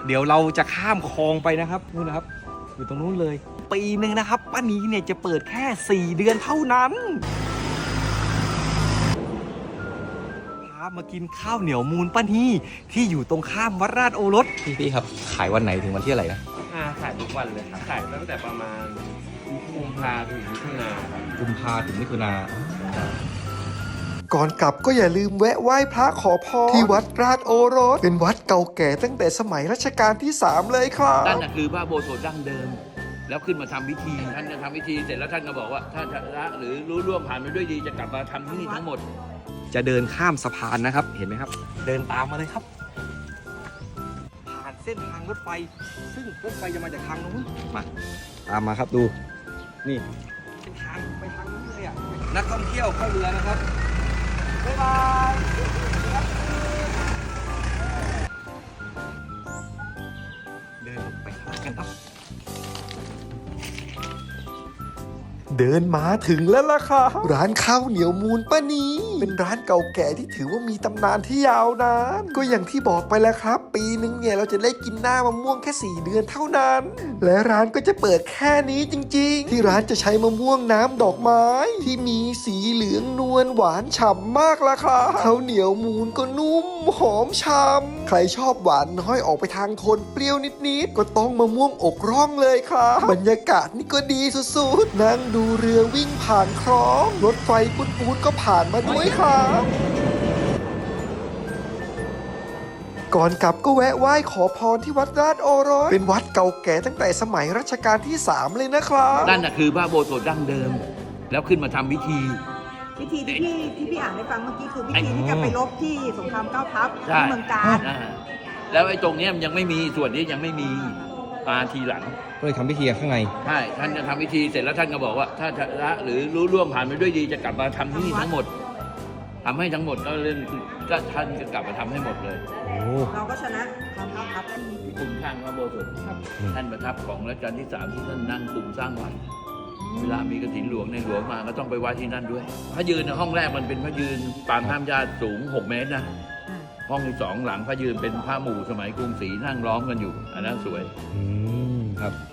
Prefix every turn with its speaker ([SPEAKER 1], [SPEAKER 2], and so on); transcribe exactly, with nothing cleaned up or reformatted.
[SPEAKER 1] เดี๋ยวเราจะข้ามคลองไปนะครับนู่นนะครับอยู่ตรงนู้นเลยปีหนึ่งนะครับป้านีเนี่ยจะเปิดแค่สี่เดือนเท่านั้นพามากินข้าวเหนียวมูลป้านีที่อยู่ตรงข้ามวัดราชโอรสพี่พี่ครับขายวันไหนถึงวันที่อะไรนะ
[SPEAKER 2] อ่าขายทุกวันเลยครับขายตั้งแต่ประมาณกุมภาถึงมิถุนาครับ
[SPEAKER 1] กุมภาถึงมิถุนา
[SPEAKER 3] ก่อนกลับก็อย่าลืมแวะไหว้พระขอพรที่วัดราชโอรสเป็นวัดเก่าแก่ตั้งแต่สมัยรัชกาลที่สามเลยครับ
[SPEAKER 4] นั่นน่ะคือพระโบสถดั้งเดิม แล้วขึ้นมาทำพิธีท่านจะทำพิธีเสร็จแล้วท่านก็บอกว่าถ้าชนะหรือรู้ร่วงผ่านไปด้วยดีจะกลับมาทำที่นี่ทั้งหมด
[SPEAKER 1] จะเดินข้ามสะพานนะครับเห็นไหมครับเดินตามมาเลยครับผ่านเส้นทางรถไฟซึ่งรถไฟจะมาจากทางนู้นมาตามมาครับดูนี่เป็นทางไปทางนู้นเลยอ่ะนักท่องเที่ยวเข้าเรือนะครับบ๊ายบายเดินไปข้างล่างกันครับ
[SPEAKER 3] เดินมาถึงแล้วล่ะค่ะร้านข้าวเหนียวมูลป้านีเป็นร้านเก่าแก่ที่ถือว่ามีตำนานที่ยาวนานก็อย่างที่บอกไปแล้วครับ ปีนึงเนี่ยเราจะได้กินหน้ามะม่วงแค่สี่เดือนเท่านั้น และร้านก็จะเปิดแค่นี้จริงๆที่ร้านจะใช้มะม่วงน้ำดอกไม้ ที่มีสีเหลืองนวลหวานฉ่ำมากล่ะค่ะข้าวเหนียวมูลก็นุ่มหอมฉ่ำใครชอบหวานน้อยออกไปทางโทนเปรี้ยวนิดๆก็ต้องมะม่วงอกร่องเลยค่ะบรรยากาศนี่ก็ดีสุดๆนั่งดูเรือวิ่งผ่านคลองรถไฟปูดๆก็ผ่านมาด้วยครับก่อนกลับก็แวะไหว้ขอพรที่วัดราชโอรสเป็นวัดเก่าแก่ตั้งแต่สมัยรัชกาลที่สามเลยนะครับ
[SPEAKER 4] นั่นน่ะคือพระโบสถดั้งเดิม แล้วขึ้นมาทำพิธี
[SPEAKER 5] พิธีที่พี่ที่พี่อ่านให้ฟังเมื่อกี้คือพิธีที่จะไปรบที่สงครามเก้าทัพ
[SPEAKER 4] ใช่
[SPEAKER 5] ที่เมืองกาญ
[SPEAKER 4] อ่าแล้วไอ้ตรงเนี้ยมันยังไม่มีส่วนนี้ยังไม่มีมาทีหลัง
[SPEAKER 1] ก็เลยทำพิธีข้างใน
[SPEAKER 4] ใช่ท่านจะทำพิธีเสร็จแล้วท่านก็บอกว่าถ้าชนะหรือรู้ร่วงผ่านไปด้วยดีจะกลับมาทำที่นี่ทั้งหมดทำให้ทั้งหมดก็เรื่องก็ท่านก็กลับมาทำให้หมดเลย
[SPEAKER 1] โอ้
[SPEAKER 5] เราก็ชนะกองเก้าทัพ
[SPEAKER 4] คุณข้างพระโบสถท่านประทับของรัชกาลที่สามที่ท่านนั่งคุมสร้างวัดเวลามีกฐินหลวงในหลวงมาก็ต้องไปไหว้ที่นั่นด้วยพระยืนในห้องแรกมันเป็นพระยืนปางห้ามญาติสูงหกเมตรนะห้องที่สองหลังพระยืนเป็นพระหมู่สมัยกรุงศรีนั่งล้อมกันอยู่อันนั้นสวย
[SPEAKER 1] อืมครับ